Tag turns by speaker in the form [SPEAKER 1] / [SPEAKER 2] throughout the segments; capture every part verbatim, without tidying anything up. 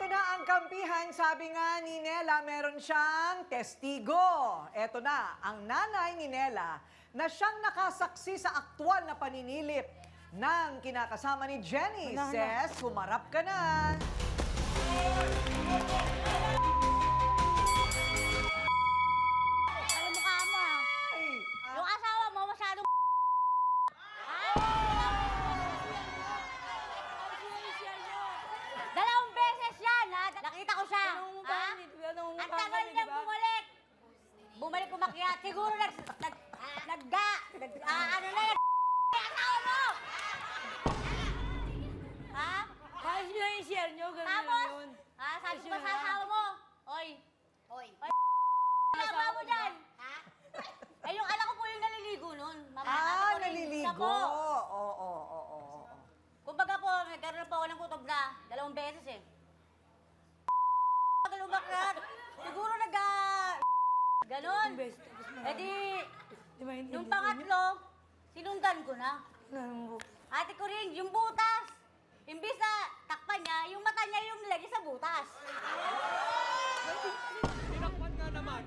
[SPEAKER 1] Eto na ang kampihan. Sabi nga ni Nela, meron siyang testigo. Eto na, ang nanay ni Nela na siyang nakasaksi sa aktwal na paninilip ng kinakasama ni Jenny.
[SPEAKER 2] Wala na.
[SPEAKER 1] Says, humarap ka na.
[SPEAKER 2] Alam mo ka mo, ah.
[SPEAKER 1] Ay,
[SPEAKER 2] Yung asawa mo masyadong Dalawang beses yan, ha? Nakita ko siya. Ha? Ang tagal niyang bumalik. Bumalik umakyat. Siguro nag... nag... nagga... nag... ah, ano na yan? Asawa mo! Ha?
[SPEAKER 3] Ayos nyo yung share nyo, ganun
[SPEAKER 2] Tapos?
[SPEAKER 3] lang yun.
[SPEAKER 2] Ha? Sabi ko
[SPEAKER 3] Ayos
[SPEAKER 2] ba
[SPEAKER 3] yun
[SPEAKER 2] sa
[SPEAKER 3] lang.
[SPEAKER 2] asawa mo? Oy.
[SPEAKER 4] Oy.
[SPEAKER 2] Oy. Ginagawa mo dyan? Ha? Eh, yung anak ko po yung naliligo nun. Mama,
[SPEAKER 1] ah,
[SPEAKER 2] ate ko,
[SPEAKER 1] naliligo.
[SPEAKER 2] siya po.
[SPEAKER 1] Oo, oo, oo, oo.
[SPEAKER 2] Kumbaga po, nagkaroon po ako ng kutob na dalawang beses eh. Tagal umakyat. Siguro nag... Ganon.
[SPEAKER 3] Best, tapos
[SPEAKER 2] Eh di,
[SPEAKER 3] Di ba hindi?
[SPEAKER 2] nung pangatlo, sinundan ko na. Ate ko rin, yung butas. Imbis na takpan niya, yung mata niya yung nilagay sa butas.
[SPEAKER 5] Tinakpan nga naman.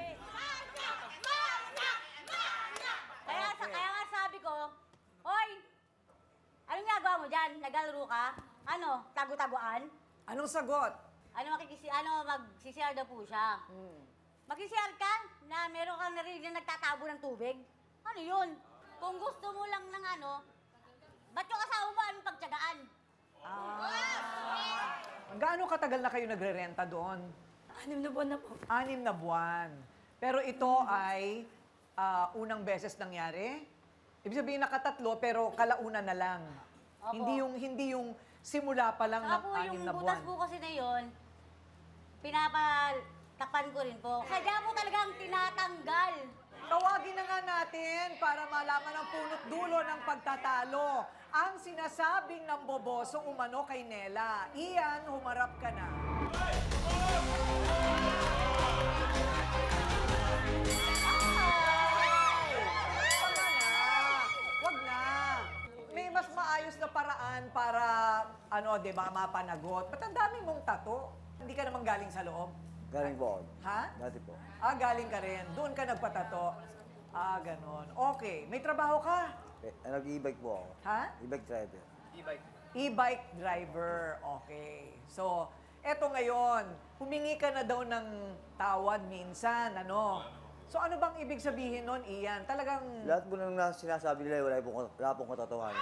[SPEAKER 2] Kaya, sa, kaya nga sabi ko, Hoy, anong ginagawa mo dyan? Naglalaro ka? Ano, tago-taguan?
[SPEAKER 1] Anong sagot?
[SPEAKER 2] Ano makikisi, ano, mag-C C R daw po siya.
[SPEAKER 1] Hmm.
[SPEAKER 2] Mag-C C R ka na meron kang narinig na nagtatabo ng tubig? Ano yun? Kung gusto mo lang ng ano, ba't yung asawa mo anong pagtyagaan?
[SPEAKER 1] Ah. Gaano katagal na kayo nagre-renta doon?
[SPEAKER 3] Anim na buwan na po.
[SPEAKER 1] Anim na buwan. Pero ito ay ah, unang beses nangyari? Ibig sabihin nakatatlo pero kalauna na lang.
[SPEAKER 2] Opo.
[SPEAKER 1] Hindi yung hindi yung simula pa lang
[SPEAKER 2] Saka
[SPEAKER 1] ng
[SPEAKER 2] po
[SPEAKER 1] anim
[SPEAKER 2] yung
[SPEAKER 1] na
[SPEAKER 2] butas
[SPEAKER 1] buwan.
[SPEAKER 2] po kasi na yun, pinapatapan ko rin po. Sadya po talagang tinatanggal.
[SPEAKER 1] Tawagin na nga natin para malaman ang punot dulo ng pagtatalo. Ang sinasabing ng boboso umano kay Nela. Ian, humarap ka na. Ay! Wag na. Wag na. May mas maayos na paraan para, ano, di ba, mapanagot. Ba't ang dami mong tato? Hindi ka naman galing sa loob?
[SPEAKER 6] Galing po ako.
[SPEAKER 1] Ha?
[SPEAKER 6] Dati po.
[SPEAKER 1] Ah, galing ka rin. Doon ka nagpatato. Ah, ganon. Okay. May trabaho ka?
[SPEAKER 6] Eh, nag-e-bike po ako.
[SPEAKER 1] Ha?
[SPEAKER 6] E-bike driver.
[SPEAKER 1] E-bike driver. Okay. So, eto ngayon, humingi ka na daw ng tawad minsan, ano? So, ano bang ibig sabihin nun, Ian? Talagang...
[SPEAKER 6] Lahat po nang nas- sinasabi nila, wala pong, wala pong katotohanan.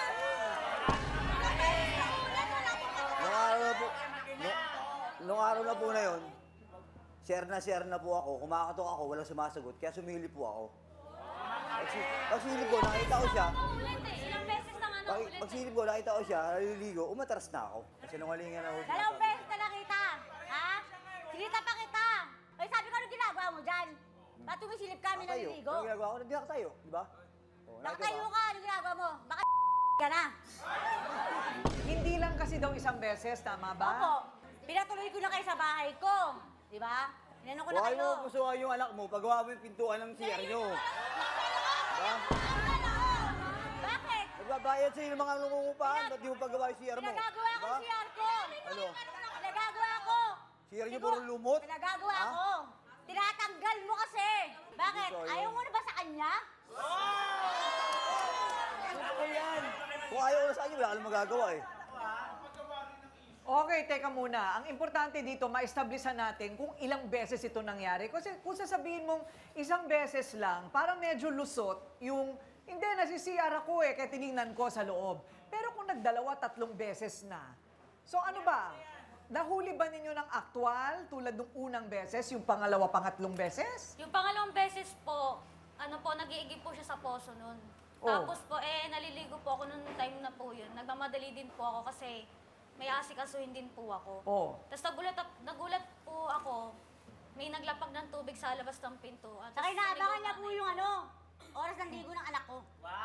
[SPEAKER 6] Nung araw na po, nung, nung araw na po na yun, share na share na po ako, kumakatok ako, walang sumasagot, kaya sumili po ako. Pagsi- Pagsilip ko, nakita ko siya,
[SPEAKER 2] Ilang beses na ano,
[SPEAKER 6] pag, pagsilip ko, nakita ko siya, naliligo, umatras na ako. Kasi nungalingan ako.
[SPEAKER 2] Dalawang beses na nakita. Ha? Sinita pa kita. Ay, sabi ko, ano ginagawa mo dyan? Ba't tumisilip kami
[SPEAKER 6] Nakatayo.
[SPEAKER 2] naliligo?
[SPEAKER 6] Ano ginagawa ko? Nakatayo, di ba? Oh,
[SPEAKER 2] Nakatayo
[SPEAKER 6] nakatayo
[SPEAKER 2] ka, ano ginagawa mo? Baka ka na.
[SPEAKER 1] Hindi lang kasi daw isang beses, tama ba?
[SPEAKER 2] Opo, pinatuloy ko na kayo sa bahay ko. Di ba? Inano ko na
[SPEAKER 6] Huwag
[SPEAKER 2] kayo.
[SPEAKER 6] mo pusuhan yung anak mo, pagawa mo yung pintuan ng C R nyo. Diba?
[SPEAKER 2] Bakit?
[SPEAKER 6] Nagbabayad sa'yo ng mga nangungupahan, ba't di mo pagawa yung C R mo?
[SPEAKER 2] Pinagagawa ko
[SPEAKER 6] Diba?
[SPEAKER 2] C R ko.
[SPEAKER 6] Ano?
[SPEAKER 2] Pinagagawa ko.
[SPEAKER 6] C R nyo
[SPEAKER 2] Siguro,
[SPEAKER 6] puro lumot?
[SPEAKER 2] Pinagagawa
[SPEAKER 6] Ha?
[SPEAKER 2] ko. Tinatanggal mo kasi. Bakit?
[SPEAKER 6] Hindi ko
[SPEAKER 2] Ayaw
[SPEAKER 6] yun.
[SPEAKER 2] mo na ba sa kanya?
[SPEAKER 6] Ano yan? Kung ayaw ko na sa inyo, wala ka lang magagawa eh.
[SPEAKER 1] Okay, teka muna. Ang importante dito, ma-establisan natin kung ilang beses ito nangyari. Kasi kung sasabihin mong isang beses lang, parang medyo lusot yung, hindi, nasi-C R ako eh, kaya tinignan ko sa loob. Pero kung nagdalawa, tatlong beses na. So ano ba? Nahuli ba ninyo ng aktwal tulad ng unang beses, yung pangalawa, pangatlong beses?
[SPEAKER 4] Yung pangalawang beses po, ano po, nag-iigib po siya sa poso nun.
[SPEAKER 1] Oh.
[SPEAKER 4] Tapos po, eh, naliligo po ako nung time na po yun. Nagmamadali din po ako kasi may asikasuhin din po ako.
[SPEAKER 1] Oh.
[SPEAKER 4] Tapos nagulat, nagulat po ako, may naglapag ng tubig sa labas ng pinto. At
[SPEAKER 2] Saka
[SPEAKER 4] tapos
[SPEAKER 2] inaabangan
[SPEAKER 4] naligo
[SPEAKER 2] niya po
[SPEAKER 4] kami.
[SPEAKER 2] yung ano, oras ng ligo ng anak ko.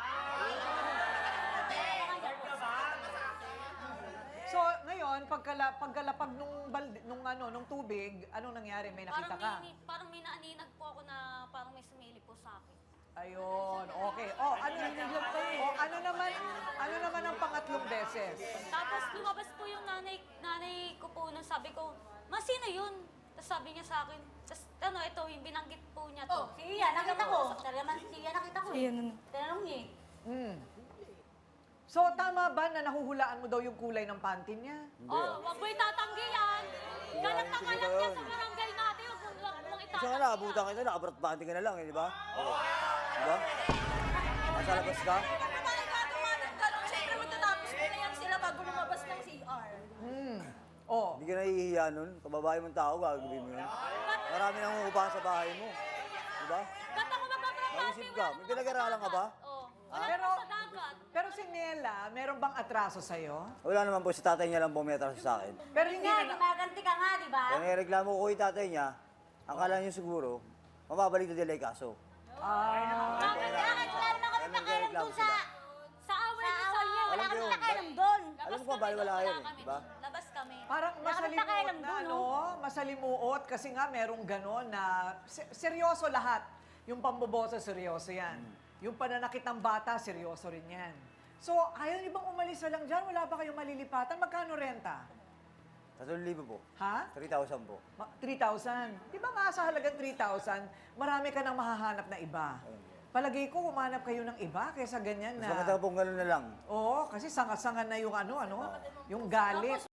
[SPEAKER 1] So ngayon, pagkala, pagkalapag nung, balde, nung, ano, nung tubig, anong nangyari? May nakita
[SPEAKER 4] Parang
[SPEAKER 1] ka?
[SPEAKER 4] may, parang may naaninag po ako na parang may sumili po sa akin.
[SPEAKER 1] Ayun, okay. Oh, ano, oh, ano naman, ano naman ang pangatlong beses?
[SPEAKER 4] Tapos lumabas po yung nanay, nanay ko po nung sabi ko, Ma, sino yun? Tapos sabi niya sa akin, tapos ano, ito, yung binanggit po niya to.
[SPEAKER 2] Oh, siya, nakita ko. Talagang siya, nakita ko.
[SPEAKER 3] Ayan, ano.
[SPEAKER 2] Tinanong niya eh.
[SPEAKER 1] Hmm. So, tama ba na nahuhulaan mo daw yung kulay ng panty niya?
[SPEAKER 4] Oh, wag mo itatanggi yan. Galat na
[SPEAKER 6] hindi
[SPEAKER 4] galat
[SPEAKER 6] ko
[SPEAKER 4] yan
[SPEAKER 6] yun.
[SPEAKER 4] sa barangay natin. Wag mo wag mong
[SPEAKER 6] Isa
[SPEAKER 4] itatanggi
[SPEAKER 6] nga na, abutan kita, nakabrot bante ka na lang, eh, di ba? Di ba? Nasa labas ka?
[SPEAKER 5] Siyempre matatapos mo na yan sila bago lumabas ng C R.
[SPEAKER 1] Hmm. Oh,
[SPEAKER 6] Hindi ka nahihiya nun. Kababae mong tao, gagawin mo yun. Marami nang umuupahan sa bahay mo. Di ba?
[SPEAKER 4] Ba't ako magpaprapati?
[SPEAKER 6] Naisip ka, may pinag-aralan ka ba?
[SPEAKER 4] Oh, wala
[SPEAKER 1] Pero,
[SPEAKER 4] naman sa dagat.
[SPEAKER 1] pero si Nela, meron bang atraso sa'yo?
[SPEAKER 6] Wala naman po, si tatay niya lang po may atraso sa akin.
[SPEAKER 1] Pero hindi
[SPEAKER 2] Nga,
[SPEAKER 1] na,
[SPEAKER 2] gumaganti ka nga, di ba?
[SPEAKER 6] Kaya nireklamo ko yung tatay niya, akala niyo siguro, mababalik na nila yung kaso.
[SPEAKER 1] ah,
[SPEAKER 2] Bakit bakit wala naman kami
[SPEAKER 6] Kaya
[SPEAKER 2] pakialam
[SPEAKER 6] nagreklamo
[SPEAKER 2] dun sa...
[SPEAKER 6] sila.
[SPEAKER 4] Sa away
[SPEAKER 2] Sa
[SPEAKER 4] niyo
[SPEAKER 2] awal niya, wala
[SPEAKER 6] Alam
[SPEAKER 2] kami
[SPEAKER 6] ko yun,
[SPEAKER 2] pakialam dun.
[SPEAKER 6] Alam mo ba, bali wala yun eh, di ba?
[SPEAKER 4] Labas kami.
[SPEAKER 1] parang
[SPEAKER 2] Wala kami
[SPEAKER 1] masalimuot
[SPEAKER 2] pakialam
[SPEAKER 1] na,
[SPEAKER 2] dun,
[SPEAKER 1] no? Masalimuot kasi nga merong ganon na se- seryoso lahat. Yung pambobosa, seryoso yan. Yung pananakit ng bata, seryoso rin yan. So, ayaw niyo bang umalis na lang dyan? Wala ba kayong malilipatan? Magkano renta?
[SPEAKER 6] Tatlong libo po.
[SPEAKER 1] Ha?
[SPEAKER 6] three thousand po.
[SPEAKER 1] Ma- three thousand. Di ba nga sa halagang three thousand, marami ka nang mahahanap na iba. Palagay ko, humanap kayo ng iba kaysa ganyan
[SPEAKER 6] Mas
[SPEAKER 1] na...
[SPEAKER 6] maganda pong gano'n na lang.
[SPEAKER 1] Oo, kasi sanga-sanga na yung ano, ano, yung galit.